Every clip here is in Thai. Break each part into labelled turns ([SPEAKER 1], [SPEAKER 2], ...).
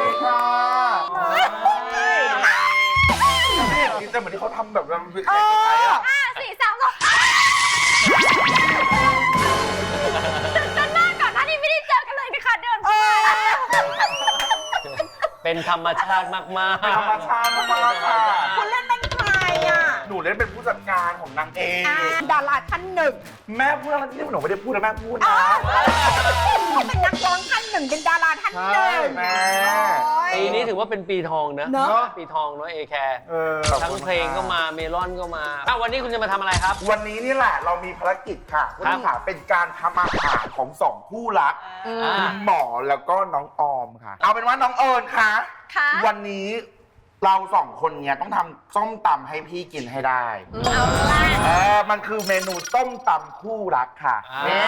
[SPEAKER 1] ค่ะไม่เห็นนี่แต่เหมือนที่เขาทำแบบเราเป็นแขกไทยอ่ะ
[SPEAKER 2] 5 4 3 2ตื่นเต้นมากก่อนหน้านี้ไม่ได้เจอกันเลยนะคะเดินมา
[SPEAKER 3] เป็นธรรมชาติมากๆ
[SPEAKER 1] เป็นธรรมชาติมากๆค่ะ
[SPEAKER 4] คุณเล่นเป็นใครอ่ะ
[SPEAKER 1] หนูเล่นเป็นผู้จัดการของนางเอก
[SPEAKER 4] ดาราท่านหนึ่ง
[SPEAKER 1] แม่พูดอะไรที่หนูไม่ได้พูดนะแม่พูดนะ
[SPEAKER 4] เขาเป็นนักร้องท่านหนึ่งเป็นดาราท่านหนึ่ง
[SPEAKER 1] แม่
[SPEAKER 3] ปีนี้ถือว่าเป็นปีทองนะ
[SPEAKER 4] เนอะ
[SPEAKER 3] ปีทองเนาะเอแคร์
[SPEAKER 1] ขอบ
[SPEAKER 3] ทั้ง
[SPEAKER 1] คุณ
[SPEAKER 3] เพลงก็มาเมลอนก็มาวันนี้คุณจะมาทำอะไรครับ
[SPEAKER 1] วันนี้นี่แหละเรามีภารกิจค่ะคุณผู้ชมค่ะเป็นการทำอาหารของสองคู่รักคุณหมอแล้วก็น้องออมค่ะ เอาเป็นว่าน้องเอิญค่ะ
[SPEAKER 2] ค่ะ
[SPEAKER 1] วันนี้เราสองคนเนี่ยต้องทำส้มตำให้พี่กินให้ได้
[SPEAKER 2] เอาละ
[SPEAKER 1] มันคือเมนูต้มตำคู่รักค่ะ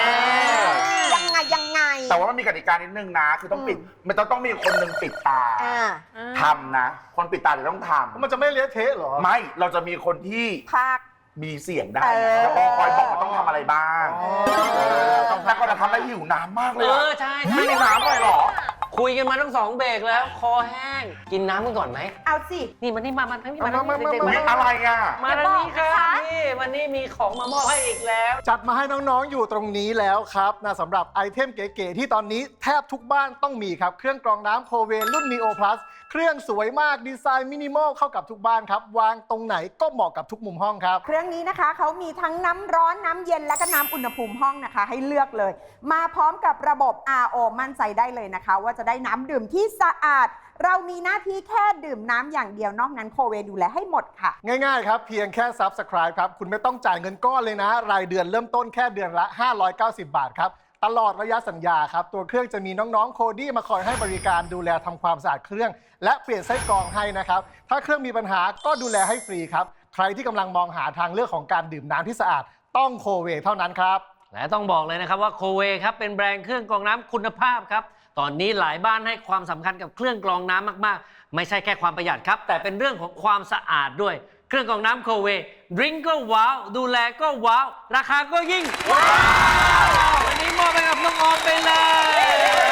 [SPEAKER 4] ยังไง
[SPEAKER 1] แต่ว่ามันมีกติกานิดนึงนะ คือต้องปิด มันต้องมีคนหนึ่งปิดตาทำนะ คนปิดตาจะต้องทำ
[SPEAKER 5] มันจะไม่เละเทะเหรอ
[SPEAKER 1] ไม่ เราจะมีคนที่
[SPEAKER 4] ภาค
[SPEAKER 1] มีเสียงได้แล้วก็คอยบอกว่าต้องทำอะไรบ้างแล้วก็จะทำให้หิวน้ำมากเลย
[SPEAKER 3] ใช่
[SPEAKER 1] ไม่มีน้ำเลยเหรอ
[SPEAKER 3] คุยกันมาทั้ง2 เบรกแล้ว คอแห้ง กินน้ำกันก่อนไหม
[SPEAKER 4] เอาสิ
[SPEAKER 3] นี่มันนี่มาทั้งนี้มา
[SPEAKER 5] มา
[SPEAKER 3] เด็ก
[SPEAKER 1] อุ๊ยอะไรอ่ะ
[SPEAKER 3] มาทางนี้ครับนี่วันนี้มีของมามอบให้อีกแล้ว
[SPEAKER 5] จัดมาให้น้องๆอยู่ตรงนี้แล้วครับนะสำหรับไอเทมเก๋ๆที่ตอนนี้แทบทุกบ้านต้องมีครับ เครื่องกรองน้ำโคเวรุ่น Neo Plus เครื่องสวยมากดีไซน์มินิมอลเข้ากับทุกบ้านครับ วางตรงไหนก็เหมาะกับทุกมุมห้องครับ
[SPEAKER 4] เครื่องนี้นะคะเขามีทั้งน้ำร้อนน้ำเย็นและก็น้ำอุณหภูมิห้องนะคะ ให้เลือกเลย มาพร้อมกับระบบ RO มั่นใจได้เลยนะคะ ว่าจะได้น้ำดื่มที่สะอาด เรามีหน้าที่แค่ดื่มน้ำอย่างเดียวนอกนั้นโคเวดูแลให้หมดค่ะ
[SPEAKER 5] ง่ายๆครับเพียงแค่ Subscribe ครับคุณไม่ต้องจ่ายเงินก้อนเลยนะ รายเดือนเริ่มต้นแค่เดือนละ 590 บาทครับตลอดระยะสัญญาครับตัวเครื่องจะมีน้องๆโคดี้มาคอยให้บริการดูแลทำความสะอาดเครื่อง และเปลี่ยนไส้กรองให้นะครับถ้าเครื่องมีปัญหาก็ดูแลให้ฟรีครับใครที่กำลังมองหาทางเลือกของการดื่มน้ำที่สะอาดต้องโคเวเท่านั้นครับ
[SPEAKER 3] และต้องบอกเลยนะครับว่าโคเวครับเป็นแบรนด์เครื่องกรองน้ำคุณภาพครับตอนนี้หลายบ้านให้ความสำคัญกับเครื่องกรองน้ำมากๆไม่ใช่แค่ความประหยัดครับแต่เป็นเรื่องของความสะอาดด้วยเครื่องกรองน้ำโคเวดริงก์ก็ว้าวดูแลก็ว้าวราคาก็ยิ่งว้าววันนี้มอบไปกับน้องออมไปเลย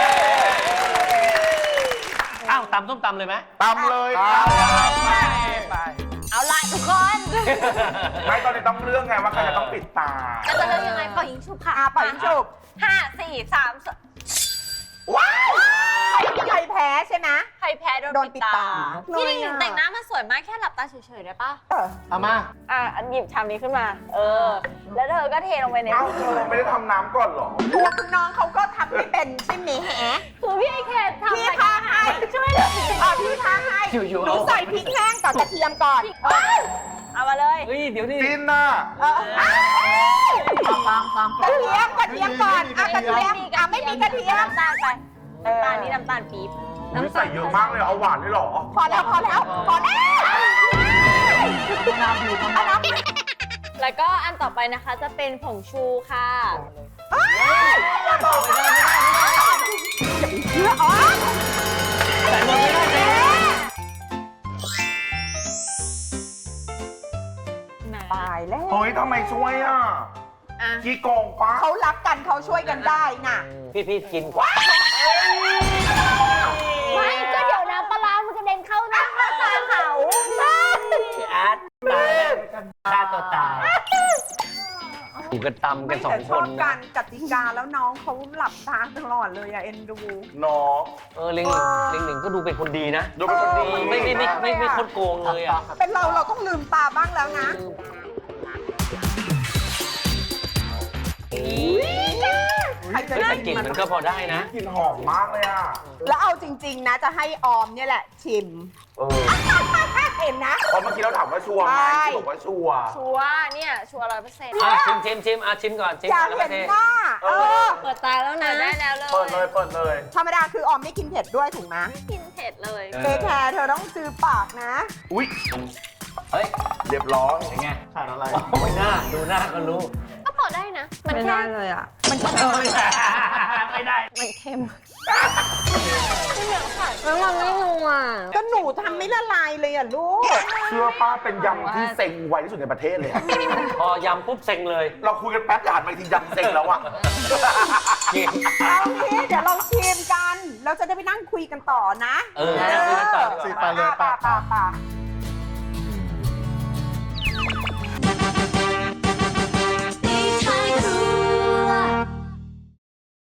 [SPEAKER 3] อ้าวตำส้มตำเลยไหม
[SPEAKER 1] ตำเลย
[SPEAKER 3] ไป
[SPEAKER 2] เอาละทุกคน
[SPEAKER 1] ไม่ตอนนี้ต้องเรื่องไงว่าใครจะต้องปิดตา
[SPEAKER 2] แล้วจะเลือกยังไงปล่อยยิงฉุบค่ะ
[SPEAKER 4] ปล่อยยิงฉุบ
[SPEAKER 2] 5 4 3 2
[SPEAKER 1] ว้าว
[SPEAKER 4] ใครแพ้ใช่ไหม
[SPEAKER 2] ใครแพ้โด
[SPEAKER 4] โด
[SPEAKER 2] น
[SPEAKER 4] นปิ
[SPEAKER 2] ปิ
[SPEAKER 4] ด
[SPEAKER 2] ด
[SPEAKER 4] ตา
[SPEAKER 2] ตาพี่หนิงแต่งหน้ามาสวยมากแค่หลับตาเฉยๆได้ปะ
[SPEAKER 5] เอามา
[SPEAKER 6] อันหยิบชามนี้ขึ้นมา แล้วเธอก็เทลงไปใน
[SPEAKER 1] เอ้าเธอไม่ได้ทำน้ำก่อนเหรอ
[SPEAKER 4] ตัวคุณน้องเขาก็ทำไม่เป็นใช่ไหมแฮะ
[SPEAKER 2] คือพี่ไอแคททำ
[SPEAKER 4] พี่พาให้ช่วยเลยพี่พาให้
[SPEAKER 3] อยู่ๆ
[SPEAKER 4] หนูใส่พริกแห้งกับกระเทียมก่อน
[SPEAKER 6] เอามาเลย
[SPEAKER 3] เฮ้ยเดี๋ยวนี่
[SPEAKER 1] จินน่ะ
[SPEAKER 4] กระเทียมก่อนกระเทียมไม่มีกระเทียม
[SPEAKER 6] น้ำตาลไปน้ำตาลนี่น้ำตาลปี๊บ
[SPEAKER 1] อุ๊ยใส่เยอะมากเลยเอาหวานเลยเหรอ
[SPEAKER 4] พอแล้วเอาน้ำ
[SPEAKER 6] แล้วก็อันต่อไปนะคะจะเป็นผงชูค่ะ
[SPEAKER 4] เชื่ออ๋อ
[SPEAKER 3] ใส่หมดไม่ได้เลย
[SPEAKER 4] ตายแล้ว
[SPEAKER 1] เฮ้ยทำไมช่วยอ่ะขี้โกงปะ
[SPEAKER 4] เขารักกันเขาช่วยกันได้น่ะ
[SPEAKER 3] พี่กินกว่า
[SPEAKER 2] ไม่ก็เดี๋ยวน้ำปลาร้ามันกระเด็นเข้าหน้าตาเขา
[SPEAKER 3] พี่อาร์ตตายแล้วฆ่าตัวตายอยู่กันตำกันสอง
[SPEAKER 4] แต่
[SPEAKER 3] ค
[SPEAKER 4] ชอบ
[SPEAKER 3] น
[SPEAKER 4] กา
[SPEAKER 3] นะ
[SPEAKER 4] รกติกาแล้วน้องเขาหลับตาตลอดเลยอะเอ็นดู
[SPEAKER 1] น้อง
[SPEAKER 3] ลิงหนึ่งก็ดูเป็นคนดีนะ
[SPEAKER 1] ดูเป็นคนดี
[SPEAKER 3] ไม่คนโกงเลยอ่ะ
[SPEAKER 4] เป็นเราต้องลืมตาบ้างแล้วนะ ใครจะ
[SPEAKER 3] แต่
[SPEAKER 4] ได้
[SPEAKER 3] กลิ่นมันก็พอได้นะ
[SPEAKER 1] กลิ่นหอมมากเลยอ่ะ
[SPEAKER 4] แล้วเอาจริงๆนะจะให้ออมเนี่ยแหละชิม เห็นนะ
[SPEAKER 1] เพราะเมื่อกี้เราถามว่าชัวร์ไหม
[SPEAKER 4] ใช่
[SPEAKER 1] ที่บอกว่าชัวร์
[SPEAKER 6] ชัวร์เนี่ย ชัวร์100%
[SPEAKER 3] ชิมชิมก่อนชิม
[SPEAKER 4] อยาก
[SPEAKER 3] แล้ว
[SPEAKER 4] เห็
[SPEAKER 3] ก็
[SPEAKER 4] น
[SPEAKER 3] เท
[SPEAKER 4] หน้า
[SPEAKER 6] เปิดตาแล้วนะได้แล้วเลย
[SPEAKER 1] เปิดเลย
[SPEAKER 4] ธรรมดาคือออมไม่กินเผ็ดด้วยถูกไหม
[SPEAKER 6] กินเผ็ดเลย
[SPEAKER 4] เอแคร์เธอต้องซื้อปากนะ
[SPEAKER 1] อุ๊ย
[SPEAKER 3] เฮ้ย
[SPEAKER 1] เรียบร้อย
[SPEAKER 3] เป็นไง
[SPEAKER 5] ขาดอะไร
[SPEAKER 3] ไม่น่าดูหน้าก็รู้
[SPEAKER 2] ก็พอได้นะ มัน
[SPEAKER 6] ไม่
[SPEAKER 2] แค่
[SPEAKER 6] ได้เลยอ่ะ
[SPEAKER 4] มันก็
[SPEAKER 3] ไม่ได้
[SPEAKER 6] มันเค็มแล้วมันไม่นัว
[SPEAKER 4] ก็หนูทำไม่ละลายเลยอ่ะลูก
[SPEAKER 1] เชื่อป้าเป็นยำที่เซ็งไวที่สุดในประเทศเลยอะ
[SPEAKER 3] พอยำปุ๊บเซ็งเลย
[SPEAKER 1] เราคุยกันแป๊บอย่าหันมาอีกทียำเซ็งแล้วอ่ะ
[SPEAKER 3] กิน
[SPEAKER 4] เอางี้เดี๋ยวเราชิมกันเราจะได้ไปนั่งคุยกันต่อนะ
[SPEAKER 3] นั่งคุยกันต่อ
[SPEAKER 5] สิไปเลย
[SPEAKER 4] ป่ะ
[SPEAKER 5] ป่ะ
[SPEAKER 4] ป่ะ